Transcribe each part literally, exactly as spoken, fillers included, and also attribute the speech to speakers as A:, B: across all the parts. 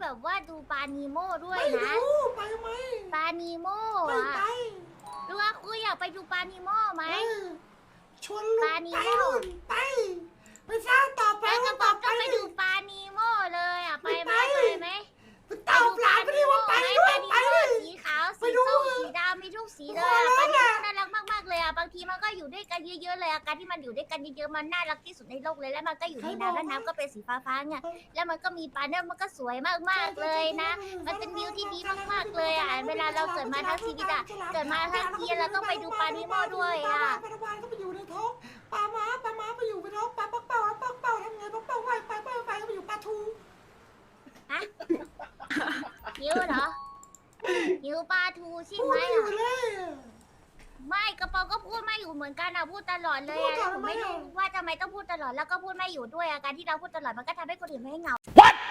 A: แบบว่าดูปลานีโม่ด้วย
B: ไม่
A: นะ
B: รู้ไปไหม
A: ปลานีโม่
B: ไม่
A: อะ
B: ไป
A: รู้ว่าคุยอยากไปดูปลานีโม่ไหม
B: เออชวนลุ
A: ปลาง นี
B: ไป
A: โม่
B: นู่นไปไปสร้างต่อไป
A: แล้วกระ
B: ว่า
A: ป๋
B: ต่
A: อ
B: อง ไป
A: ต้องไปดูปลานีโม่เลยอ่ะไปไหม
B: ไม่ไป
A: ไปไหม
B: ไปตอบหลานไปดิว่าไปด้วยไป
A: ปลา
B: ดิ
A: นีโม่สีขาว
B: ไป
A: สี
B: ดู
A: ส้มสีดำมีทุกสีเลยอะ
B: โอ้
A: ป
B: โห
A: ลานีโม่น่ารักมากๆเลยอ่ะบางทีมันก็อยู่ด้วยกันเยอะๆเลยอะการที่มันอยู่ด้วยกันเยอะๆมันน่ารักที่สุดในโลกเลยแล้วมันก็อยู่ในน้ำแล้วน้ำก็เป็นสีฟ้าๆเนี่ยแล้วมันก็มีปลาเนี่ยมันก็สวยมากๆเลยนะ มันเป็นวิวที่ดีมากๆเลยอ่ะเวลาเราเกิดมาทั้งชีวิตอ่ะเกิดมาทั้งทีเราต้องไปดูปลานิโมด้วยอ่ะ
B: ปลาปลาก็ไปอยู่ในท้องปลาม้าปลาม้าไปอยู่ในท้องปลาปักเป่าปักเป่าทำไงปักเป่าว่ายไปไปไปก็ไปอยู่ปลาทู
A: ฮะหิวเหรอหิวปลาทูใช่
B: พู
A: ไห
B: ด
A: ม
B: ไม่อยู่
A: อ่ะ
B: เลย
A: ไม่กระเป๋าก็พูดไม่อยู่เหมือนกันอ่ะพูดตลอดเลยอ่ะผมไม่รู้ว่าทำไมต้องพูดตลอดแล้วก็พูดไม่อยู่ด้วยอ่ะการที่เราพูดตลอดมันก็ทำให้คนอื่นไม่เหงา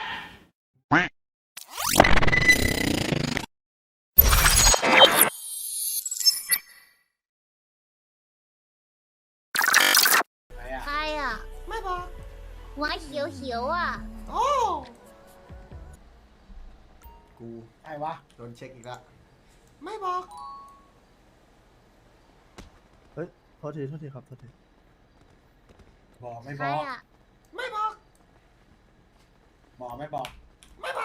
A: ใครอ่ะ
B: ไม่บอก
A: หัวเขียวเขียวๆอ่ะ
B: โอ้
C: กู
B: ไอ้วะ
C: โดนเช็คอีกแล้ว
B: ไม่บอก
D: เฮ้ยโทษทีโทษทีครับโทษที
E: บอกไม่
A: ใค
E: บ
A: ร
E: อก
A: อ่ะ
B: ไม่บอก
E: บอกไม่บอก
B: ไม่บอก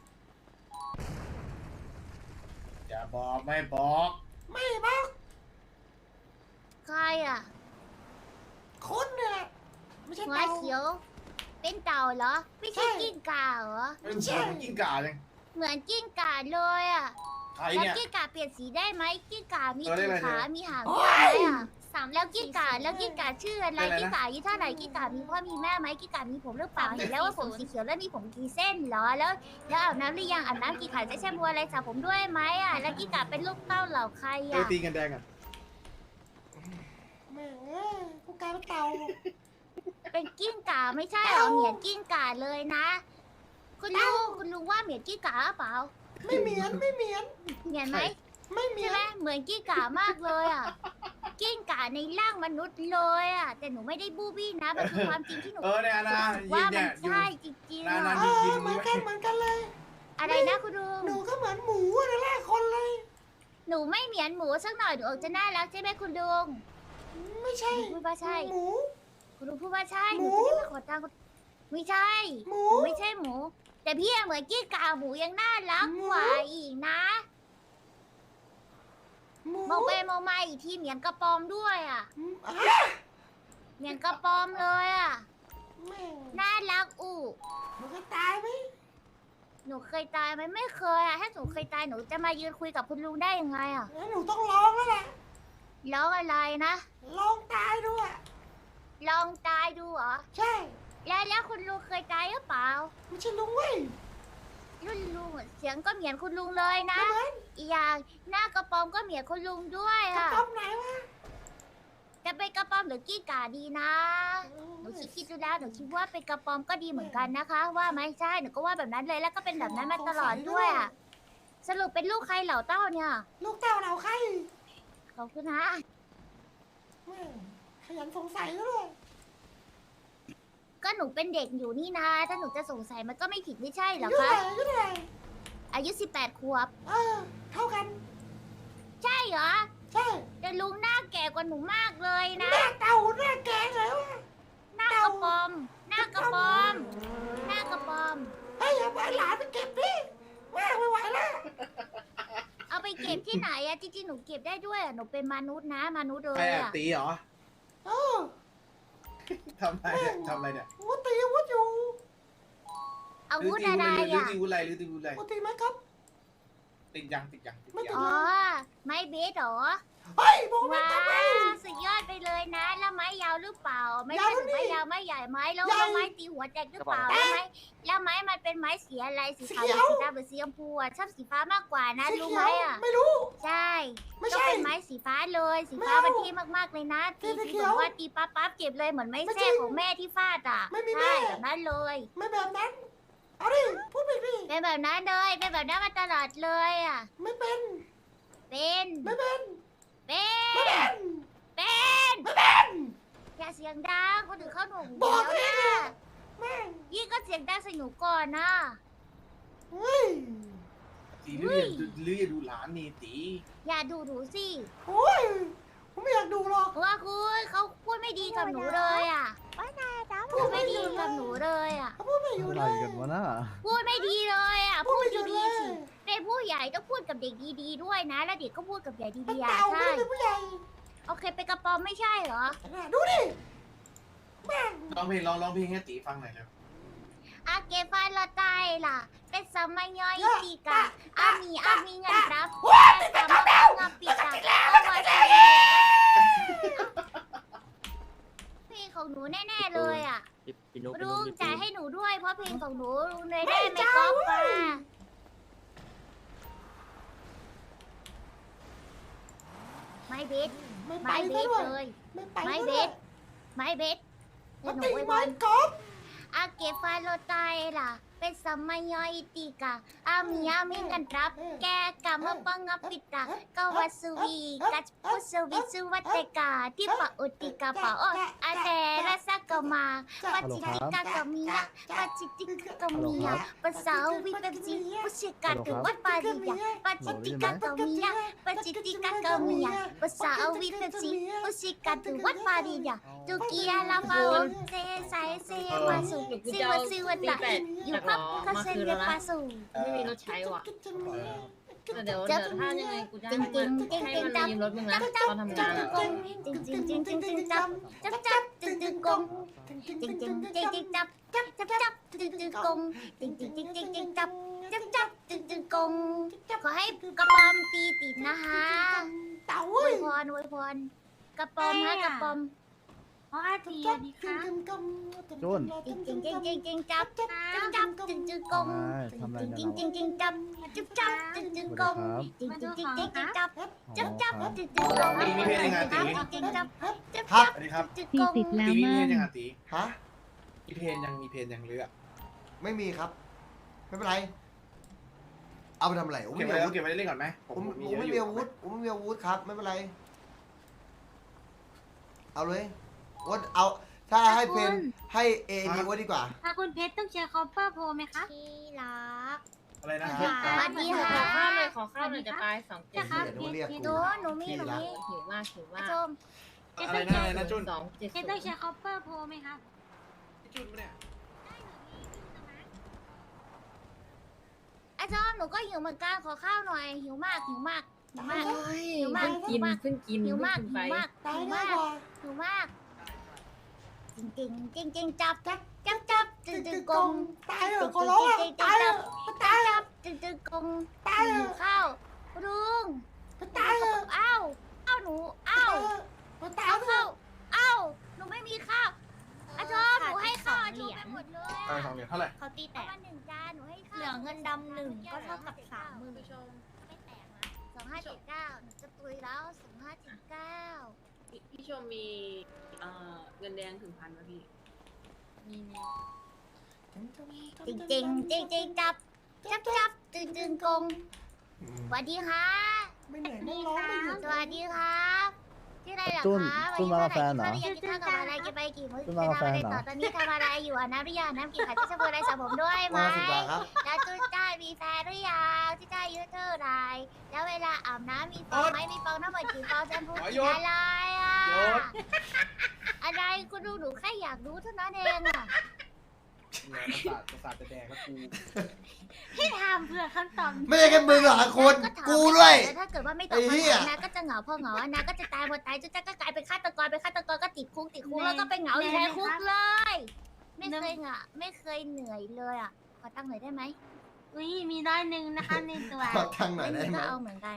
E: อย่าบอกไม่บอก
B: ไม่บอก
A: ใครอ่ะ
B: คนเนี่ยแหละไม่ใช่
A: หัว
B: เต่า
A: เขียว เป็นเต่าเหรอ ไม่ใช่
B: ใช่
A: กิ้งก่าเหรอ
E: เป็นเสือกิ้งก่าเลย
A: เหมือนกิ้งก่าเลยอ่ะ
E: ใคร
A: แล้ว
E: เนี่ย
A: กิ้งก่าเปลี่ยนสีได้ไหมกิ้งก่ามี
E: เออได้
A: กี่
E: เลย
A: ขา
E: เดี๋ยว
A: มีหาง
B: โอ๊
A: ด้วย
B: ย
A: ไหมอ่ะสามแล้วกิ้งก่าแล้วกิ้งก่าชื่ออะไร
E: เป็นอะไรนะ
A: กิ้งก่าอายุเท่าไหร่กิ้งก่ามีพ่อมีแม่ไหมกิ้งก่ามีผมหรือเปล่า
F: สาม
A: เห็นแล้วว่าผม
F: สี่ศูนย์
A: สีเขียวแล้วมีผมกี่เส้นเหรอแล้วแล้วอาบน้ำหรือยังอาบน้ำกี่ขาจะแช่บัวอะไรสระผมด้วยไหมอ่ะแล้วกิ้งก่าเป็นลูกเต้าเหล่าใคร
E: เออ
A: อ่ะ
E: ตีกันแดงอ่ะ
B: แม่เอ้ยกูกลายเป็นเต่า
A: เป็นกิ้งก่าไม่ใช่เหรอเหมียนกิ้งก่าเลยนะ คุณลุงคุณลุงว่าเหมียนกิ้งก่าหรือเปล่า
B: ไม่เหมียนไม่เหมียน
A: เหมียนไหม
B: ไม่เหมี
A: ใช่
B: ย
A: ไหม
B: น
A: เหมือนกิ้งก่ามากเลยอ่ะ กิ้งก่าในร่างมนุษย์เลยอ่ะ แต่หนูไม่ได้บูบี้นะมันคือความจริงที่หนู
E: เออเนี่ยนะ
A: รู้สึกว่า
E: ยิงเนี่
A: มัน
E: ยอยู่
A: ใช่จริงๆ
E: นั่น
A: อะ
E: ๆ
B: เออเหมือนกันเหมือนกันเลย
A: อะไรนะคุณลุง
B: หนูก็เหมือนหมูอะนะแรกคนเลย
A: หนูไม่เหมียนหมูสักหน่อยหนูออกจะน่ารักใช่ไหมคุณลุง
B: ไม่ใช่
A: พูดว่าใช่
B: หมู
A: คุณลุงพูดว่าใช่
B: ห
A: ห
B: มู
A: นูจะได้ไปขอตังค์คุณไม่ใช่
B: หมู
A: หนูไม่ใช่หมู แต่พี่อะเหมือนกิ้งก่าหมูยังน่ารัก
B: หมู
A: กว่าอีกนะ
B: หมู
A: มองไปมองมาอีกทีเหมียนกระปอมด้วยอ่ะ
B: อืมอ่ะ
A: เหมียนกระปอมเลยอ่ะ
B: แม่
A: น่ารักอู่
B: หนูเคยตายไหม
A: หนูเคยตายไหมไม่เคยอะถ้าหนูเคยตายหนูจะมายืนคุยกับคุณลุงได้ยังไงอะ
B: งั้นหนูต้องร้องแล้วแหละ
A: ร้องอะไรนะ
B: ร้องตายด้วย
A: ลองตายดูเหรอ
B: ใช่
A: แล้วแล้วคุณลุงเคยตายหรือเปล่า
B: ไม่ใช่ลุงเว้ย
A: รุ่นลุงอะเสียงก็เหมือนคุณลุงเลยนะ
B: ไม่เหมือน
A: อีกอย่างหน้ากระปอมก็เหมือนคุณลุงด้วย
B: กระ
A: อะ
B: ป๋อมไหนวะ
A: จะเป็นกระปอมหรือกี้กาดีนะ หนูคิดคิดดูแล้วหนูคิดว่าเป็นกระปอมก็ดีเหมือนกันนะคะ ว่าไหมใช่หนูก็ว่าแบบนั้นเลยแล้วก็เป็นแบบนั้นมาตลอดด้วยอะสรุปเป็นลูกใครเหล่าเต้าเนี่ย
B: ลูกเต่าเหล่าใคร
A: ขอบคุณนะ
B: แม่ขยันสงสัยก็เลย
A: ก็หนูเป็นเด็กอยู่นี่นะ ถ้าหนูจะสงสัยมันก็ไม่ผิดไม่ใช่เหรอ
B: ยุ่ง
A: คะ
B: อะไรยุ่งอะไร
A: อายุสิบแปดขวบ
B: เออ เท่ากัน
A: ใช่เหรอ
B: ใช่
A: แต่ลุงหน้าแก่กว่าหนูมากเลยนะ
B: หน้าเต่าหน้าแกงเลยวะ
A: หน้ากระปอม หน้ากระปอม หน้ากระปอม
B: เฮ้ยเอาไปหลานไปเก็บดิแม่ไม่ไหวแล้ว
A: เอาไปเก็บที่ไหนอะจริงๆหนูเก็บได้ด้วยอะหนูเป็นมนุษย์นะมนุษย์เล
E: ใคร
A: ย
E: อ่ะ
A: อะ
E: ตีเหรอ
B: เออ
E: ทำอะไรเนี่ยทำอะไรเนี่ย
B: วุตีอาวุธอยู่
A: อา
E: หรือ
A: วุธ
E: ตี
A: อะไร
E: วุธหรือ
A: อะ
E: ตีวุธอะไรหรือตีวุธอะไร
B: วุตีไหมครับ
E: ติดยังติดยังติด
B: ไม่ติ
E: ยั
B: ด
E: ง
A: อ๋อ ไม้เบสเหรอ
B: เฮ้ยบอกไม่
A: ว้า
B: ทำไม
A: วสุดยอดไปเลยนะ แล้วไม้ยาวหรือเปล่า ไม่
B: ยาว
A: ใช่
B: แล้วนี่
A: ไม้ยาวไม้ใหญ่ไม้แล้ว
B: ใหญ่
A: แล้วไม้ตีหัวแตกหรือเปล่า
B: แต
A: แล้ว
B: ก
A: ไม้แล้วไม้มันเป็นไม้สีอะไรสีขาว
B: สี
A: หรือ
B: เขียว
A: สีดำหรือสีชมพูอะชอบสีฟ้ามากกว่านะ
B: สี
A: รู้
B: เขี
A: ไหม
B: ยว
A: อะ
B: ไม่รู้
A: ใช่
B: ไม่
A: ต้อง
B: ใช่
A: เป็นไม้สีฟ้าเลย สีฟ้า
B: ไม่เอา
A: มันเท่มากๆเลยนะ ตี
B: สี
A: สี
B: เขี
A: แบ
B: ยว
A: บว่าตีปั๊บปั๊บเก็บเลยเหมือนไม้
B: ไม่จริ
A: แส้
B: ง
A: ของแม่ที่ฟาดอ่ะ
B: ไม่มี
A: ใช่
B: แม่
A: แบบนั้นเลย
B: ไม่แบบนั้น เอาดิพูดไปดิ
A: เป็นแบบนั้นเลยเป็นแบบนั้นมาตลอดเลยอ่ะ
B: ไม่เป็น
A: เป็น
B: ไม่เป็น
A: เป็
B: ไม่
A: น
B: เป็น
A: เป็น
B: ไม่เป็น
A: อย่าเสียงดังคนอื่นเขาหนุ่ม
B: บ
A: เดี
B: อก
A: ยว
B: เลย
A: นะ
B: แม่ง
A: ยี่ก็เสียงดังใส่หนูก่อนนะ
B: อื
E: หรืออย่าหรืออย่าดูหลานนี่ตี
A: อย่าดูหนูสิ
B: โอ้ยผมไม่อยากดูหรอก
A: เพราะว่าคุณเขาพูดไม่ดีกับหนูเลยอ่ะพูดไม่ดีกับหนูเลยอ่ะ
B: เขาพูดไม่อยู่
D: อะ
B: เล
D: ไร
B: ย
D: กันวะน่ะ
A: พูดไม่ดีเลยอ่ะ
B: พู
A: พู
B: ด
A: ด
B: ไม่อยู่เล
A: ดี
B: ย
A: ๆสิเป็นผู้ใหญ่ต้องพูดกับเด็กดีๆด้วยนะ แล้วเด็กก็พูดกับใหญ่
B: เป็น
A: ดีๆอ่ะ
B: เต่าไม่
A: ใช่
B: ได้เป็นผู้ใหญ่
A: โอเคเป็นกระป๋อมไม่ใช่เหรอ
B: ดูดิแม่ง
E: ร้องเพลงร้องร้องเพลงให้ตีฟังหน่อยเร็ว
A: อาเกฟาลอตายล่ะเป็นสมัยย่อยตีกาอามีอามีเงินรับแต่สมัยงาปิดาเอาไว้เพลงของหนูแน่ๆเลยอ่ะ
C: พี่นุ๊ก
A: ลุงจ่ายให้หนูด้วยเพราะเพลงของหนูลุงเลยได้ไม่ก๊อปมาไม่เบส
B: ไม่ไป
A: ไม่เบ
B: ซะ
A: ส
B: ด้วย
A: เลย
B: ไม่ไป
A: ไม่
B: ซะ
A: เบ
B: ด้วย
A: สไม่เบส
B: มา
A: เดี๋ยวหนู
B: ตี
A: ไว้บ
B: ไม้
A: น
B: กอล์ฟ
A: อาเกฟาโลตายล่ะเป็นสมัยย่อยตีกาอามีอามีเงินรับ แกกามาปังอปิตากวาสวีกัจพุสวิสุวัตกาที่ปะอุติกาปะโออาเดรสกมาปัจจิติกากามียะปัจจิติกากามียะภาษาวิเปซีพุชิกาตุวัดปาริยะปัจจิติกากามียะปัจจิติกากามียะภาษาวิเปซีพุชิกาตุวัดปาริยะตุกียาลาฟาวเซไซเซมาสุซิวซิวตะอยู่พับคาเซเลปาสู
C: ไม่มีรถใช้ว่ะแต่เดี๋ยว
A: จั
C: เดี๋
A: บ
C: ยวถ้ายังไงกูจะ
A: จริงจริงจริง
C: ให้
A: จริง
C: มัน
A: จับ
C: ยืมรถมึงนะ
A: จับจับ
C: ตอนทำ
A: จั
C: งา
A: บ
C: น
A: ก
C: อะ
A: งจริงจริงจริงจริงจริงจับจับจับจริงจริงกงจริงจริงจริงจริงจับจับจับจับจริงจริงกงจริงจริงจริงจริงจริงจับจับจับจริงจริงกงขอให้กระปอมตีติดนะคะ
B: เต่า
A: อ
B: เว้
A: วย ยพรอวยพรกระปอมฮะกระปอม
F: อ๋ออาที
B: จั
F: อั
B: บ
F: นนี้
B: จริง
F: ค่ะ
B: จริงกำ
D: จุน
A: จริงจริงจริงจริงจริงจับ
B: จับ
A: จับจับจริงจริงกง
D: ทำอะไร
A: จริ
D: กั
A: ง
D: น
A: จริงจริงจับจับจับจริงจริงกงจริงจริงจริงจริงจับ จับจับจึ๊จึ๊กง
E: ตีมีเพลงยังไงตี
A: จริงจับจับ
B: ครั
A: จั
B: บ
A: บ
E: สวัสดีครับ
A: จึ๊ก
G: สี่
A: ง
G: สิบแล้ว
E: ตีมี
G: มั่
E: เพลง
G: ง
E: ยังไงตี
B: ฮะ
E: มีเพลงยังมีเพลงยังเรือ
B: ไม่มีครับ ไม่เป็นไร เอาไปทำอะไรผม
E: เก็บ
B: ไม่
E: ไว้
B: มี
E: แล้ว
B: อาวุธ
E: เก็บไว้เล่นก่อนไหมผ
B: ผม
E: ม
B: ผม
E: มีเยอะ
B: ไม่
E: อ
B: มี
E: ยู่
B: อาวุธผมไม่มีอาวุธครับ ไม่เป็นไร เอาเลยว่าเอาถ้าให้เพนให้เอดีว่าดีกว่า
F: ถ้าคุณเพชรต้องใช้คอปเปอร์โพไหมคะ
A: ที่รัก
E: อะไรนะ
B: ครั
A: สวัสดี
C: ขอ
A: ค่ะ
C: ข้าวเลยขอข้าวเลยจะตายสองเจ็ด
F: จะครับ
B: เดี๋ยวเรียก
A: หนูหนูมีหนูมี
C: หิวมากหิว
A: อา
C: มาก
A: ชม
E: อะไรนะอะไรนะจุน
C: สองเจ็ด
F: เพชรต้องใช้คอปเปอร์โพไหมคะ
E: จุนปะเนี่ย
A: อาชมหนูก็หิวเหมือนกันขอข้าวหน่อยหิวมากหิวมากหิวมาก หิวมาก
C: เพิ่งกินเพิ่งกิน
A: หิวมาก
C: เพิ่ง
A: หิ
C: ไป
A: วมาก
B: ตาย
A: หิว
B: ง่าม
A: าย ก
B: กว่า
A: หิวมากจริงจริงจริงจริงจับจับจับจับจึ๊จึ๊กง
B: ตายเหรอขอร้องอ่ะตายเหรอตายเหรอ
A: จับจึ๊จึ๊กง
B: ตายเหร
A: หิ
B: อ
A: วข้าวลุง
B: ตายเหรอ
A: อ้าวอ้าวหนูอ้าว
B: ตาย
A: เอา
B: เหรอ
A: ข้าวอ้าวหนูไม่มีข้าวอาชมหนูให้ข้าวอาชมไปหมดเลย
E: อะไรสองเหรียญเท่าไหร่
A: เขาตีแตกมาหนึ่งจานหนูให้ข้าว
F: เหลือเงินดำหนึ่งก็เท่ากับสามหมื่น
A: ไม่แตกนะสองห้าเจ็ดเก้าหนูจะตุยแล้วสองห้าเจ็ดเก้า
C: พี่ชมมีเอ่อเงินแดงถึงพันไหมพี่มีมี
A: จริงจริงจริงจริงจับจับจับตึงตึงกงสวัสดีค่ะ
B: ไม่เหนื่อยไม่ร้องไม่หยุด
A: สวัสดีครับชื่ออะไรเหรอ
D: จุน
A: คะ
D: จุนมากับแฟนเหรอ
A: วันนี้กินข้าวกับอะไรกินไปกี่มื้อ
D: จุน
A: จะ
D: มากับ
A: ทำอะไร
D: แฟนเหรอ
A: ต่อตอนนี้ทำอะไรอยู่อ่ะน้ำหรือยังน้ำกี่ขัดที่จะพูดอะไรสระผมด้วยไหม
B: มาสิบบาทครับ
A: แล้วจุนจ้ามีแฟนหรือยังที่จ้าอายุเท่าไหรแล้วเวลาอาบน้ำมีฟองไหมมีฟองทั้งหมดกี่ฟองแชมพูกี่อะไรอ่ะอะไรคุณดูหนูแค่อยากรู้เท่านั้นเองอ่ะ
E: ประสาทประสาทจะแดงแล้วกู
F: ที่ถามเพื่อคำตอบ
B: ไม่ใช่แค่มึงหรอกคน
A: ก็ถาม
B: กูด้วย
A: แล้วถ้าเกิดว่าไม่ตอบ
B: ไอ้เหี้
A: คำถาย มนะก็จะเหงาพอเหงาอะนะก็จะตายพอตายจุนจ้าก็กลายเป็นฆาตกรเป็นฆาตกรก็ติดคุกติดคุกแล้วก็ไปเหงาอยู่ในคุกเลย ไม่เคยเหงาไม่เคยเหนื่อยเลยอ่ะขอตั้งหน่อยได้ไหม
F: อุ้ยมีร้อยหนึ่งนะคะในตัว
B: ขอทางหน่อยได้
A: ไม่มี
B: ไหม
A: ก็เอาเหมือนกัน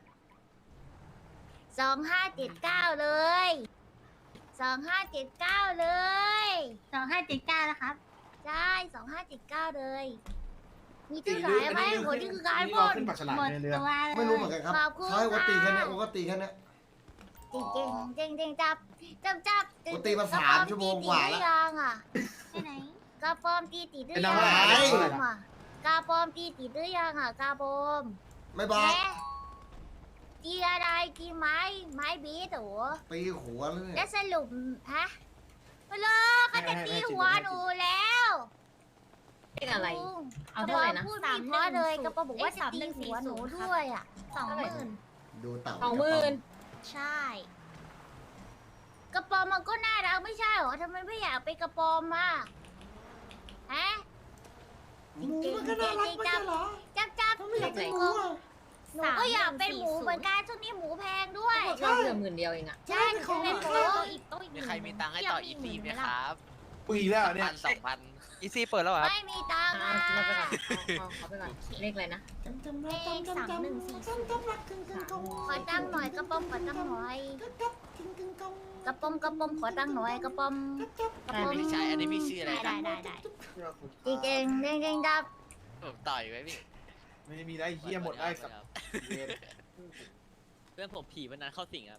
A: สองห้าเจ็ดเก้าเลยสองห้าเจ็ดเก้าเลย
F: สองห้าเจ็ดเก้านะครับ
A: ใช่สองห้าเจ็ดเก้าเลย มี
E: ตี
A: ที่ไหน
E: เรือ
A: ไหม
E: อันนี้
A: โหนี่คือการ
E: นี่
A: พ่
E: เรา
A: น
E: ขึ้นปากฉลาม
F: หมด
E: ในเรือ
F: ตัวเลย
B: ไม่รู้เหมือนกันครับ
A: ขอบคุณ
B: เขาให้วัดตีแค่เนี้ย
A: ค่ะ
B: วัดตีแค่เนี้ย
A: จริงจริงจริงจริงจับจับจับ
B: ปกติมาสามชั่วโมงกว่าแล้ว
A: กระป๋อมตีตีหรือยังอ่ะ
F: ไปไหน
A: กระปอมตีตีหรือ
E: เป็น
A: ยั
E: น้อง
A: ง
E: อะไร
A: อ่ะกระปอมตีตีหรือยังอ่ะกระปอม
B: ไม่บอก
A: แม่ตีอะไรตีไม้ไม้บีดเหรอ
B: ตีหัวเลย
A: แล้วสรุปฮะมาเลยเขาจะตีหัวหนูแล้ว
C: เลขอะไร
A: ลุง
C: เอาเท่าไหร่นะ
A: กระปอมพูดไม่เพราะเลยกระปอมบอกว่าจะตีหัวหนูด้วยอ่ะสองหมื่น
G: ดูเต่า
C: สองหมื่น
A: ใช่ กระปอมมันก็น่ารักไม่ใช่เหรอทำไมไม่อยากเป็นกระปอมอ่ะฮะ
B: หมูมันก็น่ารักไม่ใช่เหรอ
A: จับจับ
B: เขาไม่อยากเป็นหมูอ่ะ
A: หนูก็อยากเป็นหมูเหมือนกันช่วงนี้หมูแพงด้วย
C: เราเหลือหมื่นเดียวเองอะ
A: ใช่หนูจะเป็นหมู
H: มีใครมีตังค์ให้ต่ออีซีไหมครับ
E: ปีแล้วเนี่ย
H: พันสองพันอีซีเปิดแล้วเหรอครับ
A: ไม่มีตังค์
C: เอา
A: อ่ะ
C: เอาไปก่อนเอาเอาไปก่อนเลขอะไรนะ
B: จำจำรักจำจำจำจำจำรักกึ่งกึ่งกง
A: ขอตังค์หน่อยกระปอมขอตังค์หน่อย
B: กับกับกึ่งกึ่งกง
A: กระปอมกระปอมขอตังค์หน่อยกระปอม
B: กับกับ
A: กระปอม
H: พี่ชายอันนี้พี่ชื่ออะไร
A: ได้
H: นะ
A: ได้ได้ได้จริงจริงจริงดับ
H: ผมต่อยไว้พี่
E: ไม่มีได้เฮียหมดได้สักเวร
I: เรื่องผมผีวันนั้นเข้าสิงครับ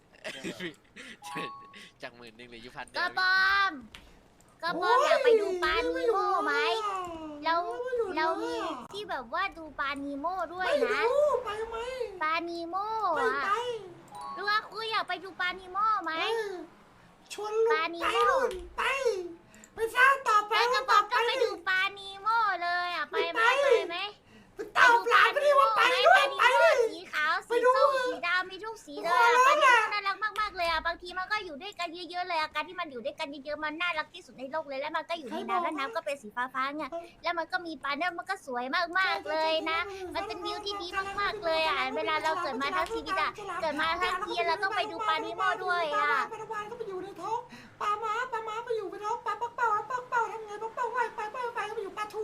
H: จากหมื่นหนึ่งเหลืออยู่พันเดี
A: ก
H: ย
A: ระ
H: ว
A: ปอมกระปอมอยากไปดูปลานีโม่ไหมแล้วแล้วมีที่แบบว่าดูปลานีโม่ด้วย
B: ไม่
A: นะ
B: รู้ไปไหม
A: ปลานีโม่
B: ไม่
A: อะ
B: ไป
A: รู้ว่าคุยอยากไปดูปลานีโม่ไหม
B: เออชวนลุง
A: ปลานิ
B: ไป
A: โม่
B: นู่นไปไปสร้างต่อไป
A: แล้วกระปอม
B: ต่
A: ต้อง
B: อ
A: ไปดูปลานีโม่เลยอ่ะไปไหมไปไหม
B: ไปตอบหลานไปดิว่าไป
A: ป
B: ด้วย
A: ลานี
B: ไป
A: โม่
B: ดิ
A: สีขาว
B: ไป
A: สี
B: ดู
A: ส้มสีดำมีทุกสีเลยอะ
B: โอ้
A: ปลา
B: โห
A: นีโม่น่ารักมากๆเลยอ่ะบางทีมันก็อยู่ด้วยกันเยอะๆเลยอาการที่มันอยู่ด้วยกันเยอะๆมันน่ารักที่สุดในโลกเลยแล้วมันก็อยู่ในน้ำแล้วน้ำก็เป็นสีฟ้าๆไงแล้วมันก็มีปลาเนี่ยมันก็สวยมากๆเลยนะ มันเป็นวิวที่ดีมากๆเลยอ่ะเวลาเราเกิดมาทั้งชีวิตอ่ะเกิดมาทั้งทีเราต้องไปดูปลานิโม่ด้วยอ่ะ
B: ปลาวานก็ไปอยู่ในท้องปลาม้าปลาม้าไปอยู่ในท้องปลาปักเป่าปักเป่าทำไงปักเป่าไหวไปไปไปก็ไปอยู่ปลาทู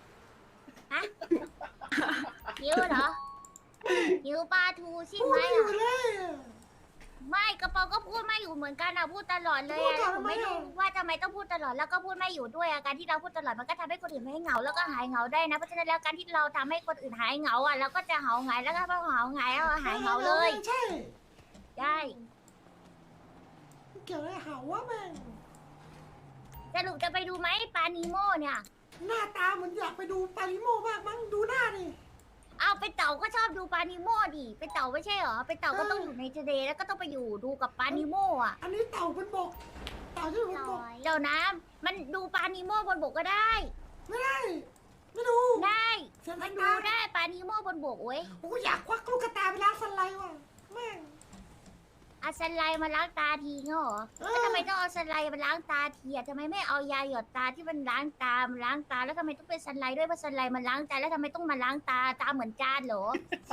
A: หิวเหรอหิวปลาทูใช่
B: พู
A: ไห
B: ด
A: ม
B: ไม่อยู่
A: อ่ะ
B: เลย
A: ไม่กระเป๋าก็พูดไม่อยู่เหมือนกันอ่ะพูดตลอดเลยอ่ะแล้วผมไม่รู้ว่าทำไมต้องพูดตลอดแล้วก็พูดไม่อยู่ด้วยอ่ะการที่เราพูดตลอดมันก็ทำให้คนอื่นไม่เหงาแล้วก็หายเหงาได้นะเพราะฉะนั้นแล้วการที่เราทำให้คนอื่นหายเหงาอ่ะเราก็จะเหงาหายแล้วก็พอเหงาหายแล้วหายเหงาเลย
B: ใช่
A: ได้
B: เกี่ยวอะไรหาวะแม่ง
A: สรุปจะไปดูไหมปลานีโม่เนี่ย
B: หน้าตาเหมือนอยากไปดูปลาลิโมมากมั้งดูหน้าดิ
A: เอาไปเต่าก็ชอบดูปลานีโม่ดิไปเต่าไม่ใช่เหรอไปเต่าก็ต้องอยู่ในทะเลแล้วก็ต้องไปอยู่ดูกับปลานีโม่อ่ะ
B: อันนี้เต่าบนบกเต่าที่อยู่บนบก
A: เดี๋ยวนะมันดูปลานีโม่บนบกก็ได้
B: ไม่ได้ไม่ดู
A: ได้
B: เสียง
A: มัน
B: ตา
A: ดูได้ปลานีโม่บนบกเว้ย
B: โอ้อยากควักลูกกระตาไปล้างสไลด์ว่ะแม่ง
A: เอาสไลด์มาล้างตาทีเงเหรอ
B: เออ
A: แล้วทำไมต้องเอาสไลด์มาล้างตาทีอ่ะทำไมไม่เอายาหยดตาที่มันล้างตามาล้างตาแล้วทำไมต้องเป็นสไลด์ด้วยเพราะสไลด์มันล้างตาแล้วทำไมต้องมาล้างตาตาเหมือนจานเหรอ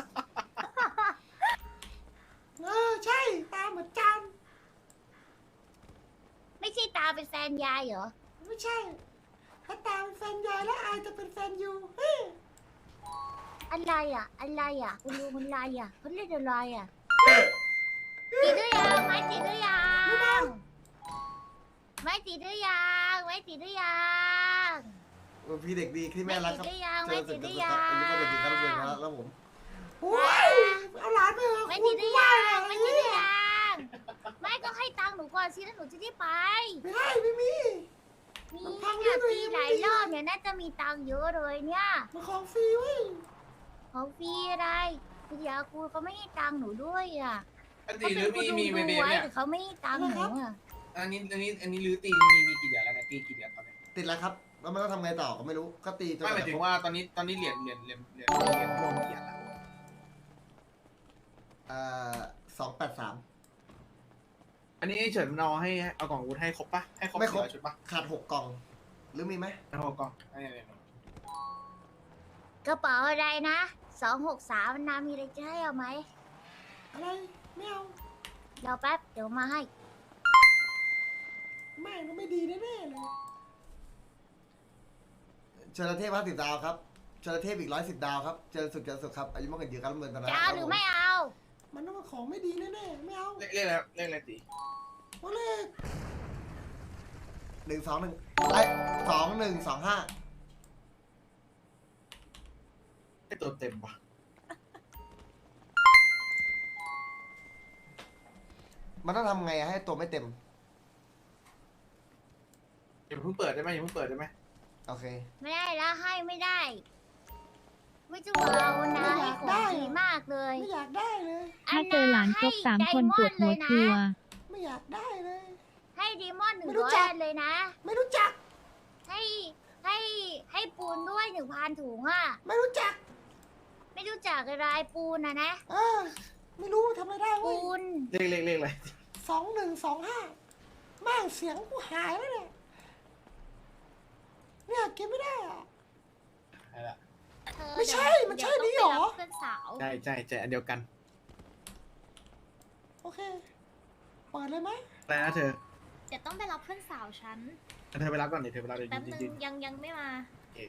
B: เออใช่ตาเหมือนจาน
A: ไม่ใช่ตาเป็นแฟนยายเหรอ
B: ไม่ใช่ ถ้าตาเป็นแฟนยายแล้วอายจะเป็นแฟนยูเฮ้ย
A: อะไรอ่ะ อะไรอ่ะคุณลุงคุณอะไรอ่ะเขาเรียกอะไรอ่ะติดหรือยังไม่ติดหรือยังไม่ติดหรือยังไม่ติดหรือยัง
G: พี่เด็กดีที่แม่รักครับ
A: ไม่ติดหรือยัง
G: เจ
A: ไม่
G: อ
A: ติ
G: สึ
A: ด
G: ก
A: ห
G: กับ
A: รือ
G: สุด
A: ยัง
G: ท้ายอันนี้ก็เด็กดีครับแล้วผม
B: โอ้ยเอาหลานไปเถอะ
A: ไม่
B: คุ
A: ติ
B: ณ
A: ดหรือ
B: ว่า
A: ยัง
B: เลย
A: ไม่ติดหรือยังไม่ก็ให้ตังค์หนูก่อนสิแล้วหนูจะได้ไป
B: ไม่ได้ไม่มี
A: มี
B: มันพัง
A: เนี่ย
B: ด้วย
A: ปีหลายรอบเนี่ยน่าจะมีตังค์เยอะเลยเนี่ย
B: มันของฟรีเว้ย
A: ของฟรีอะไรพี่ยาคูเขาไม่ให้ตังค์หนูด้วยอ่ะ
E: อันตีหรือมีมีเวเบ
A: ไว้
E: เนี่ย
A: แต่เขาไม่ให้ตังค์หนูอ่ะ
E: อันนี้อันนี้อันนี้รื้อตีมีมีกี่เดือนแล้วเนี่ยตีกี่เดือนตอนนี้
G: ติดแล้วครับ แล้วมันก็ทำไงต่อก็ไม่รู้ ก็ตีจน
E: ไม่หมายถึงว่าตอนนี้ตอนนี้เหรียญเหรียญเหรียญเหรียญเหรียญรวมกี่เหรียญแล้ว
G: เอ่อสองแปดสาม
E: อันนี้เฉินมันเอาให้เอากล่องอาวุธให้ครบปะให้ครบ
G: ไม่ครบ
E: สี่อยชุดปะ
G: ขาดหกกล่อง หรือมีไหม
E: ให้ครบกล่องอันนี้อันนี้
A: กระเป๋าอะไรนะสองหกสามนามีอะไรจะให้เอาไหม
B: อะไรไม่เอา
A: เดี๋ยวแป๊บเดี๋ยวมาให้
B: แม่งก็ไม่ดีแน่ๆเลย
G: เจรเทพห้าสิบดาวครับเจรเทพอีกร้อยสิบดาวครับ เจรสุดเจรสุดครับอายุมากกว่าเยอะครับเมืองตอนนั้น
A: จะเอาหรือไม่เอา
B: มันต้องมาของไม่ดีแน่ๆไม่เอา
E: เลขเลขอะไรเลขอะไรตี
B: โอ้เลข
G: หนึ่งสองหนึ่งไอ้สองหนึ่งสองห้า
E: ให้ตัวเต็มปะ
G: มันต้องทำไงให้ตัวไม่เต็ม
E: อย่าเพิ่งเปิดได้ไหมอย่าเพิ่งเปิดได้ไหม
G: โอเค
A: ไม่ได้แล้วให้ไม่ได้ ไม่จะเอานะให้ของดีมากเลย
B: ไม่อยากได้เลย
J: ถ้าเจอหลานครบสามคนปวดหัวกลัว
B: ไม่อยากได้เลย
A: ให้ดีมอนหนึ่ง
B: ไม่รู้
A: ร้อย
B: จัก
A: อันเลยนะ
B: ไม่รู้จัก
A: ให้ให้ให้ให้ปูนด้วยหนึ่งพันถุงอ่ะ
B: ไม่รู้จัก
A: ไม่รู้จักอะไรปูนนะนะ
B: เออ ไม่รู้ทำอะไรได้เว้
A: ปู
B: ย
A: น
E: เลขเลขเลขอะไร
B: สองหนึ่งสองห้าแม่งเสียงกูหายแล้วเนี่ย เนี่ยเก็บไม่ได้อะ
E: อะไรละ
A: เธอ
B: ไม่ใช่
A: เดี๋ยว
B: มันใช่
A: เดี๋ยว
B: นี่หรอ
A: ต้องไปบเพื่อนสาว
E: ใช่ใช่ใช่อันเดียวกัน
B: โอเค เปิดเลยไหม
E: อะไรนะเธอ
A: เดี๋ยวต้องไปรับเพื่อนสาวฉัน
E: เธอไปรับก่อนดิเธอไปรับเดี๋ยว
A: แป๊บ
E: ยืน
A: นึง
E: ยืน
A: ยังยังไม่มา
E: โอเค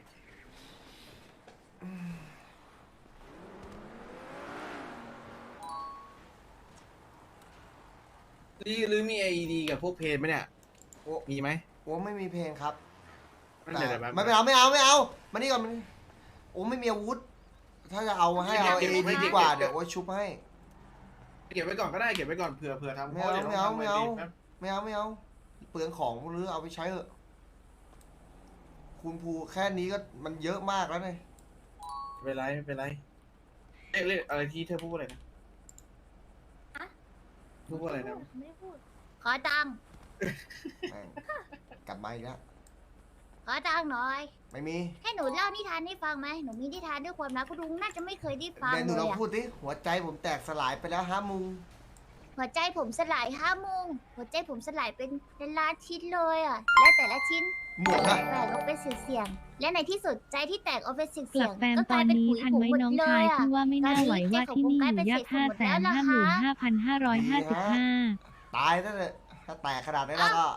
E: หรือหรือมีไอดีกับพวกเพจไหมเนี่ย
G: โอ้
E: มีไหม
G: โอ้ไม่มีเพลงครับ
E: ไม่เดี๋ยวเดี๋ยวแป๊บ
G: ไม่เอาไม่เอาไม่เอามานี่ก่อนมานี่โอ้ไม่มีอาวุธ ถ้าจะเอาให้เอาเอดีดีกว่าเดี๋ยวโอ้ชุบให้
E: เก็บไว้ก่อนก็ได้เก็บไว้ก่อนเผื่อเผื่อทำ
G: ไม่เอา
E: ดี๋ยว
G: ไม่เอา
E: ทำ
G: ไม่เอา
E: แป๊บ
G: ไม่เอาไม่เอาเปลืองของหรือเอาไปใช้เถอะคุณภูแค่นี้ก็มันเยอะมากแล้วเนี่ย
E: ไม่เป็นไรไม่เป็นไรเรียกเรียกอะไรที่เธอพูดว่าอะไรนะ
A: อะ
E: พูดว่าอะไรนะ
A: ไม่ได้พูด ขอตังค์
G: แม่งกลับมาอีกแล้ว
A: ขอตังค์หน่อย
G: ไม่มี
A: ให้หนูเล่านิทานให้ฟังไหมหนูมีนิทานด้วยความรักคุณลุงน่าจะไม่เคยได้ฟัง
G: เดี๋ยวหนู
A: เล
G: ลอง
A: ยอะ
G: พูดดิหัวใจผมแตกสลายไปแล้วฮะมุง
A: หัวใจผมสลายห้าโมงหัวใจผมสลายเป็นเป็นล้านชิ้นเลยอ่ะ และแต่ละชิ้น
G: หมวกอะ
A: แตกออกเป็นเสียงๆและในที่สุดใจที่แตกออกเป็นเสี
J: กลั
A: ย
J: บ
A: ง
J: แฟม
A: ๆก็
J: ต
A: ก
J: อ
A: ลาย
J: น
A: เป็น
J: นี้
A: ปุ๋ย
J: ทัน
A: ผง
J: ไหม
A: หมด
J: น้อง
A: เล
J: ชาย
A: ยอ่ะ
J: ที่ว่าไม่น่าไหวว่าที่นี่อยู่ยากห้าแสนห้าหมื่นห้าพันห้าร้อยห้าสิบห้า
G: ตายแล้วเลยถ้าแตกขนาดนี้แล้วก็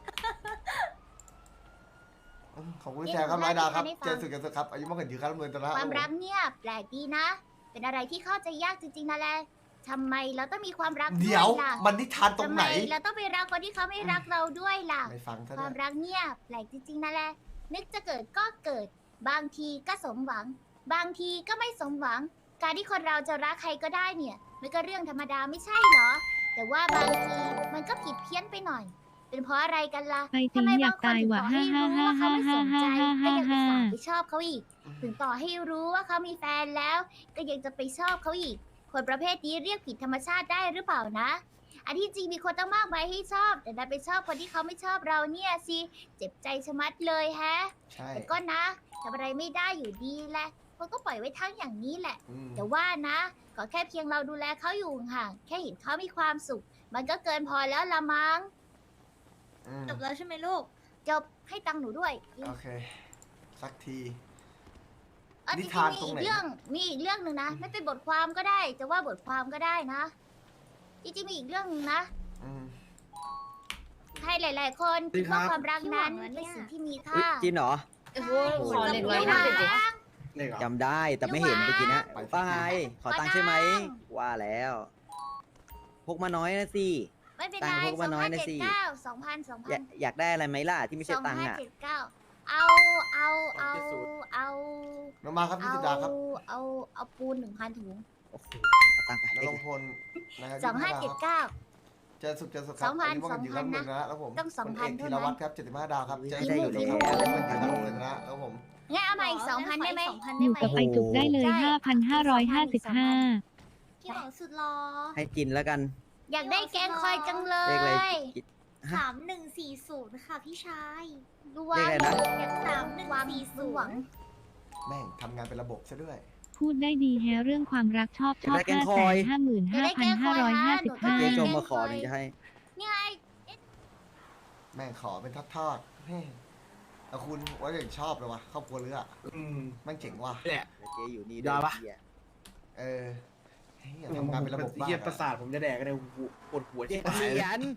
G: ขอบคุณแชร์ครับร้อยดาวครับ เจอสุดกันสุดครับ อายุมากกว่ายืนครับเงินตละ
A: ความรักเนี่ยแปลกดีนะ เป็นอะไรที่เข้าใจยากจริงๆนะแหละทำไมเราต้องมีความรักด้
G: เดี๋ยว
A: วยล่ะ
G: มันนิทานตรง
A: ทำ
G: ไห
A: ไม
G: น
A: เราต้องไปรักคนที่เขาไม่รักเราด้วยล่ะ
G: ไม่ฟังซะ
A: ควา
G: ด้ว
A: ม
G: ย
A: รักเนี่ยแปลกจริงๆนะแหละ นึกจะเกิดก็เกิด บางทีก็สมหวัง บางทีก็ไม่สมหวัง การที่คนเราจะรักใครก็ได้เนี่ยมันก็เรื่องธรรมดาไม่ใช่เหรอ แต่ว่าบางทีมันก็ผิดเพี้ยนไปหน่อย เป็นเพราะอะไรกันล่ะ
J: ไปจริ
A: ทำ
J: ง
A: ไม
J: อยา
A: บาก งคน
J: ตาย
A: ถึง
J: ว่ะ
A: ต่อให้
J: ฮ่า
A: รู้
J: ฮ่า
A: ว่า
J: ฮ่า
A: เขาไม่
J: ฮ่า
A: สน
J: ฮ่า
A: ใจ
J: ฮ่า
A: ก็
J: ฮ่า
A: ยังอุตส่า
J: ฮ่า
A: ห์ไปชอบเขาอีก ถึงต่อให้รู้ว่าเขามีแฟนแล้ว ก็ยังจะไปชอบเขาอีก คนประเภทนี้เรียกผิดธรรมชาติได้หรือเปล่านะ อันที่จริงมีคนตั้งมากมายให้ชอบ แต่ดันไปชอบคนที่เขาไม่ชอบเราเนี่ยสิ เจ็บใจชะมัดเลยแฮะ
G: ใช่
A: แต่ก็นะทำอะไรไม่ได้อยู่ดีแหละคนก็ปล่อยไว้ทั้งอย่างนี้แหละ
G: อืม
A: แต่ว่านะก็แค่เพียงเราดูแลเขาอยู่ห่างๆแค่เห็นเขามีความสุข มันก็เกินพอแล้วละมั้ง
G: อืม
A: จบแล้วใช่ไหมลูก จบให้ตังค์หนูด้วย
G: โอเค สักที
A: เออจ
G: นิ
A: ริง
G: ทาน
A: ๆมี
G: ตรง
A: อี
G: ไหน
A: กเรื่อง มีอีกเรื่องหนึ่งนะ ไม่เป็นบทความก็ได้ จะว่าบทความก็ได้นะ จริงๆมีอีกเรื่องหนึงนะ
G: อืม
A: ให้หลาย ๆ คนคิดว่าความรักนั้นเป็นสิ่งที่มีค่า
I: จริงเหรอ
C: โอ้โห
A: ใช่
C: ขอเล็กร้อยห้าสิบดิ
E: เลขเหรอ
I: จำได้แต่ไม่เห็นเมื่อกี้นะ
G: ไป
I: ว่าไงขอตังค์ใช่ไหม
A: ขอตังค์
I: ว่าแล้ว พกมาน้อยนะสิ
A: ไม่เป็น
I: ตั
A: ไรง
I: ค์พก
A: สอ
I: มาง น้อย
A: พัน
I: นะ
A: เจ็ด
I: สิ
A: เก้าสองพันสอง
I: อ
A: พั
I: ยาน กอยากได้อะไรไหมล่ะที่ไม่
A: ส
I: ใช่
A: อง
I: ตังค์
A: ห้า
I: อ่ะ
A: เจ็ดเก้าเอาเอาเอาเอา
G: น้องมาครับยี่
A: เอา
G: สิบดาวครับ
A: เอาเอาปูนหนึ่งพันถุง
I: โอ้โหเอาตังค์ไป
G: น
I: เล
G: รง
I: ข
G: พลนะครับ
A: สองห้าเจ็ดเก้า
G: เจอสุดเจอสุดค
A: ส
G: รั
A: อบ งพัน
G: อายุมากกว่ายืนครับ
A: สองพัน
G: เงินนะแล้วผม
A: ต้องสองพัน
G: คุณเอก
A: เท่า
G: ธี
A: นั้น
G: รวัตรครับเจ็ดสิบห้าดาวครับเจอ
I: ได้
G: สุด
I: อยู่
G: ครับ
I: แล้ว
G: อายุมากกว่ายืนครับเงินนะแล้วผม
A: งั้นเอามาอีกสองพันได้ไหม
J: อยู่กับไปจุกได้เลย
A: ใช่
J: ห้าพันห้าร้อยห้าสิบห้า
A: พี่บอกสุดรอ
I: ให้จินแล้วกัน
A: อยากได้แกงคอยจังเล
I: เลขอะไร
A: ย
I: กิฮะ
F: สามหนึ่งสี่ศูนย์ค่ะพี่ชาย
A: ดูว่า
I: เลขอะไรนะ
A: อยากสามหนึ่งสี่ศูนย์หวัง
G: แม่งทำงานเป็นระบบซะด้วย
J: พูดได้ดีแฮะเรื่องความรักชอบชอบ
I: จะได้แกง
J: ห้า
I: ค
J: แส
I: อย
J: นห้าหมื่นห้าพันห้าร้อยห้าสิบห้า
I: เจ๊ชมมาขอถึงจะให้
A: นี่ไง
G: แม่งขอเป็นทอดๆเฮ้ยแต่คุณว่าอย่างชอบเลยวะครอบครัวเรืออะ
E: อืม
G: แม่งเจ๋งว่ะ
E: เนี่ย
I: เจ๊อยู่นี่
E: ได้ปะ
I: เหี้ย
G: เออเฮ้ยทำงานเป็นระบบ
E: เทียบ
G: มาก
E: ประสาทผมจะแดกกันเลยปวดหัว
I: เจ๊
E: ที่
I: เห
E: หาย
I: รียญ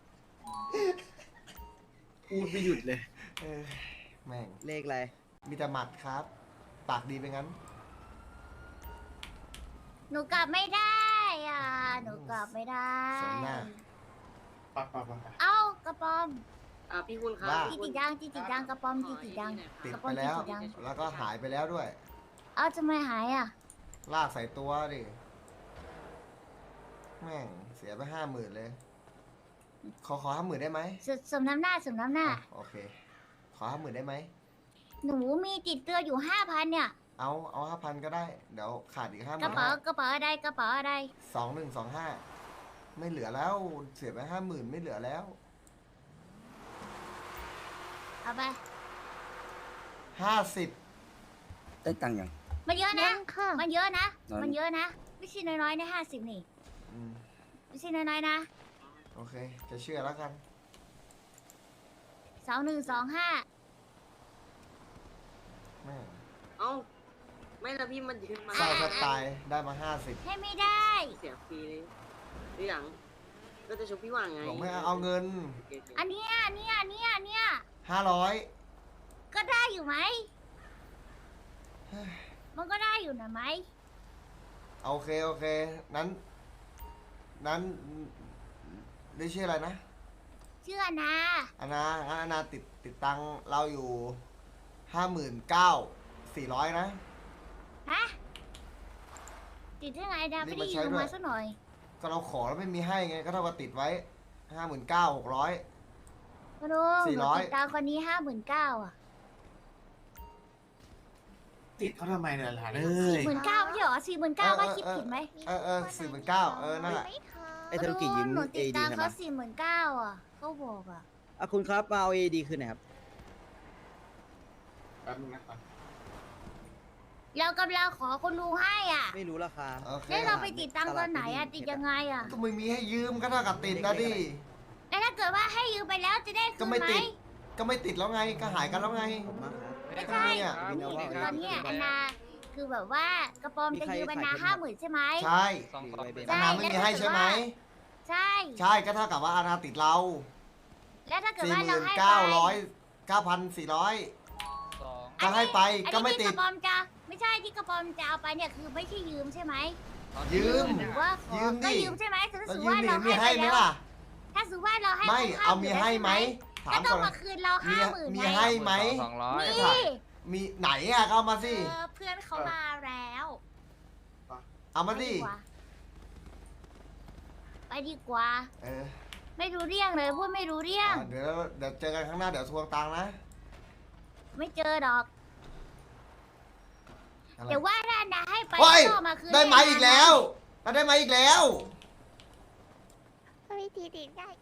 E: พูดไม่หยุดเลย
G: เออแม่ง
I: เลขอะไร
G: มีแต่หมัดครับ ปากดีไปงั้น
A: หนูกลับไม่ได้อ่ะ หนูกลับไม่ได้
G: สมหน้า
E: ปักปักปัก
A: เอ้ากระปอม
C: อ่าพี่คุณครับ
G: ว่า
A: จีติดังจีติดังกระปอมจีติดัง
G: ติด
A: กระ
G: ไป
A: ป๋อง
G: แล้ว
A: ติดยัง
G: แล้วก็หายไปแล้วด้วย
A: เอ้าทำไมหายอ่ะ
G: ลากใส่ตัวดิ แม่งเสียไปห้าหมื่นเลย ขอขอห้าหมื่นได้ไหม
A: สสมน้ำหน้าสมน้ำหน้า
G: อ่ะโอเค ขอห้าหมื่นได้ไหม
A: หนูมีติดตัวอยู่ห้าพันเนี่ย
G: เอาเอาห้าพันก็ได้ เดี๋ยวขาดอีกห้าก ห
A: ระ
G: มื่น
A: เป๋ากระเป๋าอะไรกระเป๋าอะไร
G: สองหนึ่งสองห้าไม่เหลือแล้ว เสียไปห้าหมื่นไม่เหลือแล้ว
A: เอาไป
G: ห้าสิบ
I: ได้ตังค์ยัง
A: มันเยอะนะ
F: ค่ะ
A: มันเยอะนะ
I: น้อย
A: มันเยอะนะ ไม่ใช่น้อยๆนะห้าสิบนี่
G: อืม
A: ไม่ใช่น้อยๆนะ
G: โอเค จะเชื่อแล้วกัน
A: สองหนึ่งสองห้า
G: แม่
C: เอ้า ไม่ละพี่มันยืนมา
G: เศร้าแทบตายได้มาห้าสิบ
A: ให้ไม่ได้
C: เสียฟรีเลยหรือยังก็จะชกพี่ว่างไง
G: บอกไม่เอาเงิน
C: โอเคโอเค
A: อันเนี้ยอันเนี้ยอันเนี้ยอันเนี้ย
G: ห้าร้อย
A: ก็ได้อยู่ไหม มันก็ได้อยู่นะไหม
G: โอเค โอเค นั้น นั้นได้ชื่ออะไรนะ
A: เชื่อนะ
G: อานางั้นอานาติดติดตังค์เราอยู่ห้าหมื่นเก้าสี่ร้อยนะ
A: ฮะ ติดได้ไงดา
G: รี
A: ไม่
G: บ
A: ได้
G: มาใช้
A: ยืม
G: ด้วย
A: มาสักหน่อย
G: ก็เราขอแล้วไม่มีให้ไง ก็เท่ากับติดไว้ห้าหมื่นเก้าหกร้อย
A: มาดู
G: สี่
A: หนู
G: ร้อย
A: ติดตามคนนี้ห้าหมื่นเก้าอ่ะ
E: ติดเขาทำไมเนี่ยหลานเอ้
A: สี่
E: ย
A: หมื่นเก้าไม่ใช่เหรอสี่หมื่นเก้าว่าคิดผิดไหม
G: เออเออสี่หมื่นเก้าเออ นั่นแหละ
I: ไอ้ธนุกิยืม
A: หนู
I: เอ
A: ติด
I: ดี
A: ตาม
I: ใช่ไหม
A: เขาสี่หมื่นเก้าอ่ะเขาบอกอ่ะ
I: อ่ะคุณครับมาเอาเอดีคืนหน่อยครับ
E: แป๊บนึงนะครับ
A: เรากำลังขอคุณลุงให้อ่ะ
I: ไม่รู้ราคา
G: โอเค
A: แล้วเราไปติดตังค์ตอนไหนอ่ะ ติดยังไงอ่ะ
G: ก็ไม่มีให้ยืมก็เท่ากับติดนะดิ
A: แล้วถ้าเกิดว่าให้ยืมไปแล้วจะได้คื
G: ก็
A: น
G: ไม่
A: ไหม
G: ติด ก็ไม่ติดแล้วไง ก็หายกันแล้วไง
I: ผมมากครับ
A: ไม่ใช่
G: เนี่ย
A: นี่ตอนเนี้ยอันนาคือแบบว่ากระปอมจะยืมอันนาห้าหมื่นใช่ไหม
G: ใช่
H: สองสอง
G: อานาไม่มีให้ใช่ไหม
A: ใช่
G: ใช่ ก็เท่ากับว่าอานาติดเรา
A: แล้วถ้าเกิด
G: สี่
A: ว่า
G: ห
A: เรา
G: มื่น
A: ให้ไป
G: เก้าร้อยเก้าพันสี่ร้อย
H: สอง
G: ก็ให้ไป
A: อัน
G: ก็
A: นี้
G: ไม่
A: ที่
G: ติ
A: ก
G: ด
A: ระปอมจะไม่ใช่ที่กระปอมจะเอาไปเนี่ยคือไม่ใช่ยืมใช่ไหม
G: ยืม
A: หรือว่าขอ
G: ยืมดิ
A: ก็ยืมใช่ไหมถ้า
G: แล้ว
A: สมม
G: ยื
A: ติ
G: ม
A: ว่า
G: ดิ
A: เรา
G: มี
A: ให้
G: ให้
A: ไป
G: ไหม
A: แล้ว
G: ล่ะ
A: ถ้าสมมติว่าเราให้
G: ไม่
A: ครบ
G: เอามี
A: ยู่
G: ให้ไหม ถาม
A: ก็ต้
G: ก่
A: อ
G: อง น
A: มาคืนเรา
G: มี
A: ห้าหมื่น
G: มี
A: ไง
G: ให้ไหม
H: สองร้อย
A: นี่
G: มีไหนอ่ะก็เอามาสิ
F: เออเพื่อนเขามาแล้ว
G: เอามา
A: ไป
G: สิ
A: ดีกว่าไปดีกว่า
G: เออ
A: ไม่รู้เรื่องเลยพูดไม่รู้เรื่อง
G: อ่ะเดี๋ยวเดี๋ยวเจอกันข้างหน้าเดี๋ยวทวงตังค์นะ
A: ไม่เจอดอก
G: อะไร
A: เดี๋ยวว่าถ้านะให้ไป
G: โอ้ย
A: ก็มาคืน
G: ได้ไหม
A: ให้นะ
G: อีกแล้วได้ไหมอีกแล้ว
F: วิธีติดได้